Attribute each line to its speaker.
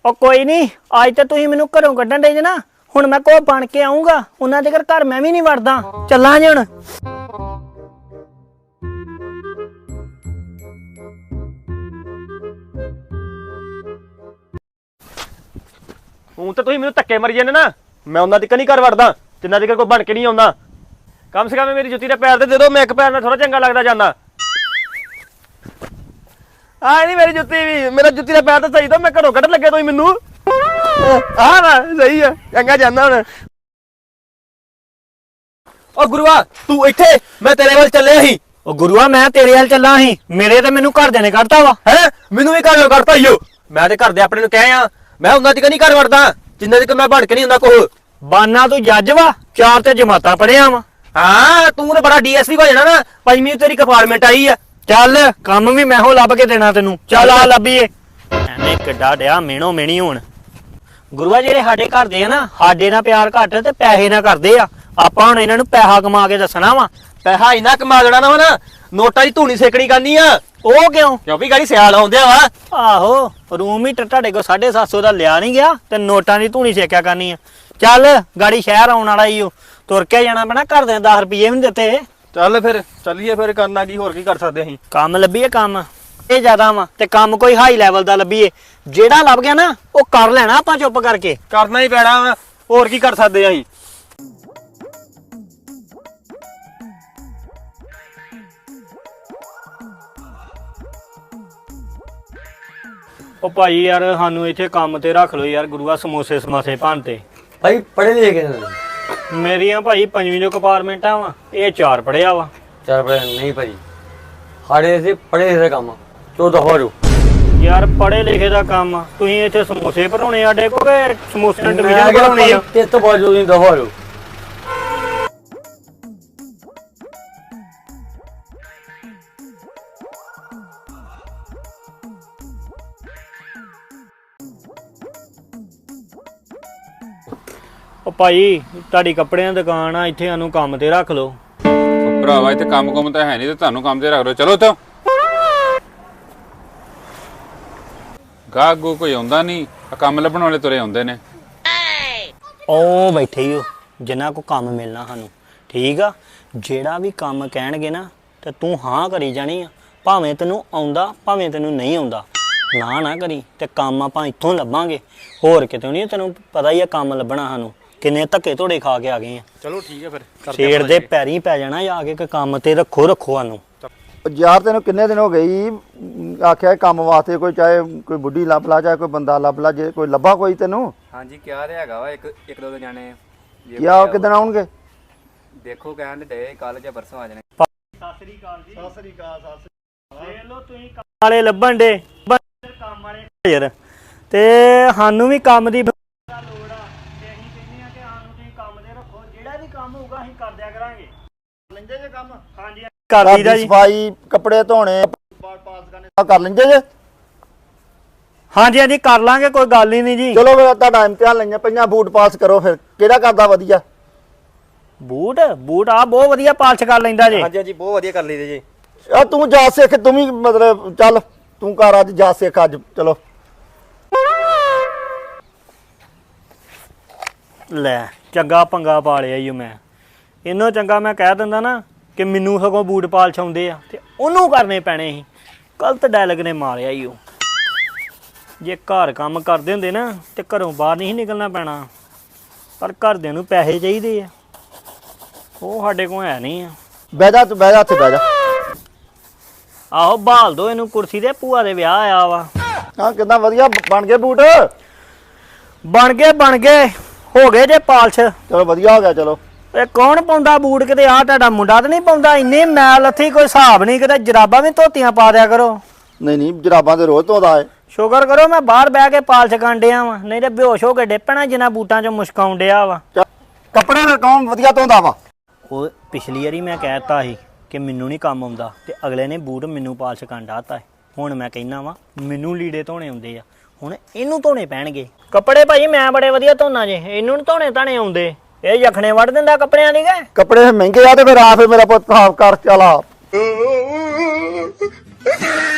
Speaker 1: ਉਹ ਕੋਈ ਨਹੀਂ, ਅੱਜ ਤਾਂ ਤੁਸੀਂ ਮੈਨੂੰ ਘਰੋਂ ਕੱਢਣ ਦੇ ਜੇ ਨਾ, ਹੁਣ ਮੈਂ ਕੋ ਬਣ ਕੇ ਆਉਂਗਾ ਉਹਨਾਂ ਦੇ ਘਰ ਮੈਂ ਵੀ ਨਹੀਂ ਵੜਦਾ। ਚੱਲਾਂ ਜੇ ਹੁਣ।
Speaker 2: ਹੁਣ ਤਾਂ ਤੁਸੀਂ ਮੈਨੂੰ ਧੱਕੇ ਮਾਰੀ ਜਾਂਦੇ ਨਾ, ਮੈਂ ਉਹਨਾਂ ਤੱਕ ਨਹੀਂ ਘਰ ਵੜਦਾ ਜਿੰਨਾ ਤੱਕ ਕੋਈ ਬਣ ਕੇ ਨਹੀਂ ਆਉਂਦਾ। ਕਮ ਸੇ ਕਮ ਮੇਰੀ ਜੁੱਤੀ ਦਾ ਪੈਰ ਤੇ ਦੇ ਦਿਓ, ਮੈਂ ਇੱਕ ਪੈਰ ਨਾਲ ਥੋੜਾ ਚੰਗਾ ਲੱਗਦਾ ਜਾਂਦਾ। ਆ ਨਹੀਂ ਮੇਰੀ ਜੁੱਤੀ ਵੀ, ਮੇਰਾ ਜੁੱਤੀ ਦਾ ਪੈਰ ਤਾਂ ਸਹੀ ਦੋ, ਮੈਂ ਘਰੋਂ ਕੱਢਣ ਲੱਗੇ ਤੁਸੀਂ ਮੈਨੂੰ। ਆ ਨਾ ਸਹੀ ਆ, ਚੰਗਾ ਜਾਂਦਾ ਹੁਣ। ਓ ਗੁਰੂਆ ਤੂੰ ਇੱਥੇ, ਮੈਂ ਤੇਰੇ ਵੱਲ ਚੱਲਿਆ ਸੀ।
Speaker 1: ਉਹ ਗੁਰੂਆ ਮੈਂ ਤੇਰੇ ਵੱਲ ਚੱਲਾਂ ਸੀ, ਮੇਰੇ ਤੇ ਮੈਨੂੰ ਘਰਦਿਆਂ ਨੇ ਕੱਢਤਾ ਵਾ।
Speaker 2: ਹੈ ਮੈਨੂੰ ਵੀ ਘਰੋਂ ਕੱਢਤਾ ਈਓ। ਮੈਂ ਤੇ ਘਰ ਦੇ ਆਪਣੇ ਨੂੰ ਕਹਿ ਆ, ਮੈਂ ਉਹਨਾਂ ਤੱਕ ਨਹੀਂ ਘਰ ਵੜਦਾ ਜਿੰਨਾ ਤੱਕ ਮੈਂ ਬਣ ਕੇ ਨਹੀਂ ਹੁੰਦਾ ਕੋਹ।
Speaker 1: ਬਾਨਾ ਤੂੰ ਜੱਜ ਵਾ, 4 ਤੇ ਜਮਾਤਾਂ ਪੜਿਆ ਵਾ।
Speaker 2: ਹਾਂ ਤੂੰ ਤਾਂ ਬੜਾ ਡੀਐਸਪੀ ਹੋ ਜਾਣਾ ਨਾ, 5ਵੀਂ ਤੇਰੀ ਕੰਪਾਰਟਮੈਂਟ ਆਈ ਆ।
Speaker 1: ਚੱਲ ਕੰਮ ਵੀ ਮੈਂ ਹੋ ਲੱਭ ਕੇ ਦੇਣਾ ਤੈਨੂੰ, ਚੱਲ ਆ ਲੱਭੀਏ। ਐਵੇਂ ਕਿੱਡਾ ਡਿਆ ਮੇਣੋ ਮੇਣੀ ਹੋਣ। ਗੁਰੂਆ ਜਿਹੜੇ ਸਾਡੇ ਘਰ ਦੇ ਆ ਨਾ, ਸਾਡੇ ਨਾਲ ਪਿਆਰ ਘੱਟ ਤੇ ਪੈਸੇ ਨਾਲ ਕਰਦੇ ਆ। ਆਪਾਂ ਹੁਣ ਇਹਨਾਂ ਨੂੰ ਪੈਸਾ ਕਮਾ ਕੇ ਦੱਸਣਾ ਵਾ।
Speaker 2: ਪੈਸਾ ਇੰਨਾ ਕਮਾ ਦੇਣਾ ਨਾ ਵਾ ਨਾ, ਨੋਟਾਂ ਦੀ ਧੂਣੀ ਸੇਕਣੀ ਕਰਨੀ ਆ।
Speaker 1: ਉਹ ਕਿਉਂ?
Speaker 2: ਕਿਉਂਕਿ ਗਾੜੀ ਸਿਆਲ ਆਉਂਦਿਆ ਵਾ।
Speaker 1: ਆਹੋ ਰੂਮ ਹੀ ਤੁਹਾਡੇ ਕੋਲ 750 ਦਾ ਲਿਆ ਨਹੀਂ ਗਿਆ ਤੇ ਨੋਟਾਂ ਦੀ ਧੂਣੀ ਸੇਕਿਆ ਕਰਨੀ ਆ। ਚੱਲ ਗਾੜੀ ਸ਼ਹਿਰ ਆਉਣ ਵਾਲਾ ਈ ਓ, ਤੁਰ ਕੇ ਜਾਣਾ ਪੈਣਾ। ਘਰ ਦੇ 10 ਰੁਪਏ ਵੀ ਨਹੀਂ ਦਿੱਤੇ।
Speaker 2: ਚੱਲ ਫਿਰ ਚੱਲੀਏ, ਫਿਰ ਕਰਨਾ ਕੀ, ਹੋਰ ਕੀ ਕਰ ਸਕਦੇ ਅਸੀਂ।
Speaker 1: ਕੰਮ ਲੱਭੀਏ, ਕੰਮ ਇਹ ਜ਼ਿਆਦਾ ਵਾ ਤੇ ਕੰਮ ਕੋਈ ਹਾਈ ਲੈਵਲ ਦਾ ਲੱਭੀਏ। ਜਿਹੜਾ ਲੱਭ ਗਿਆ ਨਾ ਉਹ ਕਰ ਲੈਣਾ ਆਪਾਂ ਚੁੱਪ ਕਰਕੇ।
Speaker 2: ਕਰਨਾ ਹੀ ਪੈਣਾ ਵਾ, ਹੋਰ ਕੀ ਕਰ ਸਕਦੇ ਅਸੀਂ।
Speaker 1: ਉਹ ਭਾਈ ਯਾਰ ਸਾਨੂੰ ਇੱਥੇ ਕੰਮ ਤੇ ਰੱਖ ਲਓ ਯਾਰ, ਗੁਰੂਆ ਸਮੋਸੇ ਸਮਾਸੇ ਭਾਂਤੇ।
Speaker 3: ਭਾਈ ਪੜ੍ਹੇ ਲਿਖੇ
Speaker 1: ਮੇਰੀਆਂ ਭਾਈ 5ਵੀਂ ਜੋ ਕੰਪਾਰਟਮੈਂਟਾਂ ਵਾ, ਇਹ 4 ਪੜਿਆ ਵਾ।
Speaker 3: 4 ਪੜ੍ਹੇ ਨਹੀਂ ਭਾਈ, ਸਾਡੇ ਸੇ ਪੜ੍ਹੇ ਲਿਖੇ ਕੰਮ ਤੋ ਦਫਾਰੂ
Speaker 1: ਯਾਰ ਪੜੇ ਲਿਖੇ ਦਾ ਕੰਮ, ਤੁਸੀਂ ਇੱਥੇ ਸਮੋਸੇ ਭਰਾਉਣੇ ਸਾਡੇ ਕੋਲ ਕਿ ਸਮੋਸੇ ਨਾਲ ਡਿਵੀਜ਼ਨ ਬਣਾਉਣੀ ਆ?
Speaker 3: ਤੇ ਤੋਂ ਬਾਜੂ ਨਹੀਂ ਦਫਾਰੂ।
Speaker 1: ਉਹ ਭਾਈ ਤੁਹਾਡੀ ਕੱਪੜਿਆਂ ਦੀ ਦੁਕਾਨ ਆ, ਇੱਥੇ ਸਾਨੂੰ ਕੰਮ ਤੇ ਰੱਖ ਲਓ।
Speaker 4: ਭਰਾਵਾ ਇੱਥੇ ਕੰਮ ਤਾਂ ਹੈ ਨਹੀਂ ਤੇ ਤੁਹਾਨੂੰ ਕੰਮ ਤੇ ਰੱਖ ਲਓ। ਚਲੋ ਇੱਥੋਂ। ਗਾਹਕ ਗੋ ਕੋਈ ਆਉਂਦਾ ਨਹੀਂ, ਕੰਮ ਲੱਭਣ ਵਾਲੇ ਤੁਰੇ ਆਉਂਦੇ ਨੇ।
Speaker 1: ਉਹ ਬੈਠੇ ਹੀ ਹੋ ਜਿਨ੍ਹਾਂ ਕੋ ਕੰਮ ਮਿਲਣਾ ਸਾਨੂੰ, ਠੀਕ ਆ। ਜਿਹੜਾ ਵੀ ਕੰਮ ਕਹਿਣਗੇ ਨਾ ਤੇ ਤੂੰ ਹਾਂ ਕਰੀ ਜਾਣੀ ਆ, ਭਾਵੇਂ ਤੈਨੂੰ ਆਉਂਦਾ ਭਾਵੇਂ ਤੈਨੂੰ ਨਹੀਂ ਆਉਂਦਾ। ਨਾ ਕਰੀ ਤੇ ਕੰਮ ਆਪਾਂ ਇੱਥੋਂ ਲੱਭਾਂਗੇ, ਹੋਰ ਕਿਤੇ ਨਹੀਂ। ਤੈਨੂੰ ਪਤਾ ਹੀ ਆ ਕੰਮ ਲੱਭਣਾ ਸਾਨੂੰ, ਕਿੰਨੇ ਧੱਕੇ ਧੋੜੇ ਖਾ ਕੇ ਆ ਗਏ ਆ।
Speaker 2: ਚਲੋ ਠੀਕ ਹੈ ਫਿਰ,
Speaker 1: ਸ਼ੇਰ ਦੇ ਪੈਰੀਂ ਪੈ ਜਾਣਾ ਜਾ ਕੇ, ਕੰਮ ਤੇ ਰੱਖੋ ਸਾਨੂੰ।
Speaker 5: ਯਾਰ ਤੈਨੂੰ ਕਿੰਨੇ ਦਿਨ ਹੋ ਗਏ ਆਖਿਆ ਕੰਮ ਵਾਸਤੇ, ਕੋਈ ਚਾਹੇ ਕੋਈ ਬੁੱਢੀ ਲੱਭ ਲਾ, ਚਾਹੇ ਕੋਈ ਬੰਦਾ ਲੱਭ ਲਾ, ਜੇ ਕੋਈ ਲੱਭਾ ਕੋਈ ਤੈਨੂੰ।
Speaker 6: ਹਾਂਜੀ ਕਿਹਾ ਤੇ ਹੈਗਾ ਵਾ, ਇੱਕ ਦੋ ਜਾਣੇ
Speaker 5: ਕਿਆ ਕਿਦਣ ਆਉਣਗੇ?
Speaker 6: ਦੇਖੋ ਕਹਿਣ ਦੇ ਕੱਲ ਜਾਂ ਪਰਸੋਂ ਆ ਜਾਣੇ।
Speaker 1: ਸਤਿ ਸ੍ਰੀ ਅਕਾਲ ਜੀ। ਸਤਿ ਸ੍ਰੀ ਅਕਾਲ। ਦੇਖ ਲਓ ਤੁਸੀਂ ਕੰਮ ਵਾਲੇ ਲੱਭਣ ਦੇ, ਕੰਮ ਵਾਲੇ ਯਾਰ, ਤੇ ਸਾਨੂੰ ਵੀ ਕੰਮ ਦੀ ਲੋੜ ਆ ਤੇ ਅਸੀਂ ਕਹਿੰਦੇ ਆ ਕਿ ਸਾਨੂੰ ਤੁਸੀਂ ਕੰਮ ਤੇ ਰੱਖੋ। ਜਿਹੜਾ ਵੀ ਕੰਮ ਹੋਊਗਾ ਅਸੀਂ ਕਰ ਦਿਆ ਕਰਾਂਗੇ। ਲੈਂਦੇ ਜੇ ਕੰਮ? ਹਾਂਜੀ ਕਰ ਦਈਦਾ ਜੀ।
Speaker 5: ਸਫਾਈ, ਕੱਪੜੇ ਧੋਣੇ, ਪਾਸ ਕਰਨੇ ਕਰ ਲੈਂਦੇ ਜੇ?
Speaker 1: ਹਾਂਜੀ ਕਰ ਲਾਂਗੇ, ਕੋਈ ਗੱਲ ਹੀ ਨਹੀਂ ਜੀ।
Speaker 5: ਚਲੋ ਫਿਰ ਤੁਹਾਡਾ ਇਮਤਿਹਾਨ ਲਈਆਂ ਪਈਆਂ, ਬੂਟ ਪਾਸ ਕਰੋ। ਫਿਰ ਕਿਹੜਾ ਕਰਦਾ ਵਧੀਆ?
Speaker 1: ਬੂਟ ਆ ਬਹੁਤ ਵਧੀਆ ਪਾਲਿਸ਼ ਕਰ ਲੈਂਦਾ ਜੀ।
Speaker 2: ਹਾਂਜੀ ਬਹੁਤ ਵਧੀਆ ਕਰ ਲਈਦੇ ਜੀ।
Speaker 5: ਆ ਤੂੰ ਜਾ ਸਿੱਖ, ਤੂੰ ਵੀ ਮਤਲਬ ਚੱਲ ਤੂੰ ਕਰ ਅੱਜ ਜਾ ਸਿੱਖ ਅੱਜ। ਚਲੋ
Speaker 1: ਲੈ ਚੰਗਾ ਪੰਗਾ ਪਾ ਲਿਆ ਈ ਮੈਂ। ਇਹਨੋਂ ਚੰਗਾ ਮੈਂ ਕਹਿ ਦਿੰਦਾ ਨਾ ਕਿ ਮੈਨੂੰ ਸਗੋਂ ਬੂਟ ਪਾਲਿਸ਼ ਆਉਂਦੇ ਆ ਤੇ ਉਹਨੂੰ ਕਰਨੇ ਪੈਣੇ ਸੀ। ਗਲਤ ਡਾਇਲੌਗ ਨੇ ਮਾਰਿਆ ਈ ਉਹ। ਜੇ ਘਰ ਕੰਮ ਕਰਦੇ ਹੁੰਦੇ ਨਾ ਤੇ ਘਰੋਂ ਬਾਹਰ ਨਹੀਂ ਨਿਕਲਣਾ ਪੈਣਾ, ਪਰ ਘਰਦਿਆਂ ਨੂੰ ਪੈਸੇ ਚਾਹੀਦੇ ਆ, ਉਹ ਸਾਡੇ ਕੋਲ ਹੈ ਨਹੀਂ ਆ।
Speaker 5: ਬਹਿ ਜਾ, ਤੂੰ ਬਹਿ ਜਾ, ਇੱਥੇ ਬਹਿ ਜਾ।
Speaker 1: ਆਹੋ ਬਹਾਲ ਦੋ ਇਹਨੂੰ ਕੁਰਸੀ ਤੇ, ਭੂਆ ਦੇ ਵਿਆਹ ਆਇਆ ਵਾ।
Speaker 5: ਹਾਂ ਕਿੱਦਾਂ ਵਧੀਆ ਬਣ ਗਏ ਬੂਟ?
Speaker 1: ਬਣ ਗਏ ਹੋ ਗਏ ਜੇ ਪਾਲਿਸ਼।
Speaker 5: ਚਲੋ ਵਧੀਆ ਹੋ ਗਿਆ। ਚਲੋ
Speaker 1: ਇਹ ਕੌਣ ਪਾਉਂਦਾ ਬੂਟ? ਕਿਤੇ ਆਹ ਤੁਹਾਡਾ ਮੁੰਡਾ ਤਾਂ ਨਹੀਂ ਪਾਉਂਦਾ? ਇੰਨੇ ਮੈਲ ਲੱਥੀ ਕੋਈ ਹਿਸਾਬ ਨਹੀਂ। ਕਿਤੇ ਜਰਾਬਾਂ ਵੀ ਧੋਤੀਆਂ ਪਾ ਦਿਆ ਕਰੋ।
Speaker 5: ਨਹੀਂ ਜਰਾਬਾਂ ਤੇ ਰੋਜ਼ ਧੋਦਾ ਹੈ।
Speaker 1: ਸ਼ੁਕਰ ਕਰੋ ਮੈਂ ਬਾਹਰ ਬਹਿ ਕੇ ਪਾਲਿਸ਼ ਕਰਨ ਡਿਆ ਵਾ, ਨਹੀਂ ਤੇ ਬੇਹੋਸ਼ ਹੋ ਕੇ ਡਿੱਪਣਾ ਜਿੰਨਾ ਬੂਟਾਂ 'ਚੋਂ ਮੁਸ਼ਕ ਆਉਣ ਡਿਆ ਵਾ।
Speaker 5: ਕੱਪੜੇ ਫਿਰ ਕੌਣ ਵਧੀਆ ਧੋਂਦਾ ਵਾ?
Speaker 1: ਉਹ ਪਿਛਲੀ ਵਾਰੀ ਮੈਂ ਕਹਿਤਾ ਸੀ ਕਿ ਮੈਨੂੰ ਨਹੀਂ ਕੰਮ ਆਉਂਦਾ ਤੇ ਅਗਲੇ ਨੇ ਬੂਟ ਮੈਨੂੰ ਪਾਲਿਸ਼ ਕਰਨ ਡਾਤਾ ਹੈ। ਹੁਣ ਮੈਂ ਕਹਿਣਾ ਵਾ ਮੈਨੂੰ ਲੀੜੇ ਧੋਣੇ ਆਉਂਦੇ ਆ, ਹੁਣ ਇਹਨੂੰ ਧੋਣੇ ਪੈਣਗੇ ਕੱਪੜੇ। ਭਾਈ ਮੈਂ ਬੜੇ ਵਧੀਆ ਧੋਣਾ ਜੇ, ਇਹਨੂੰ ਨੀ ਧੋਣੇ ਧਾਣੇ ਆਉਂਦੇ। ਇਹ ਯਖਣੇ ਵੱਢ ਦਿੰਦਾ ਕੱਪੜਿਆਂ ਦੀ।
Speaker 5: ਕੱਪੜੇ ਮਹਿੰਗੇ ਆ ਤੇ ਫਿਰ ਆ ਫਿਰ ਮੇਰਾ ਪੁੱਤ ਸਾਫ ਕਰ ਚਲਾ।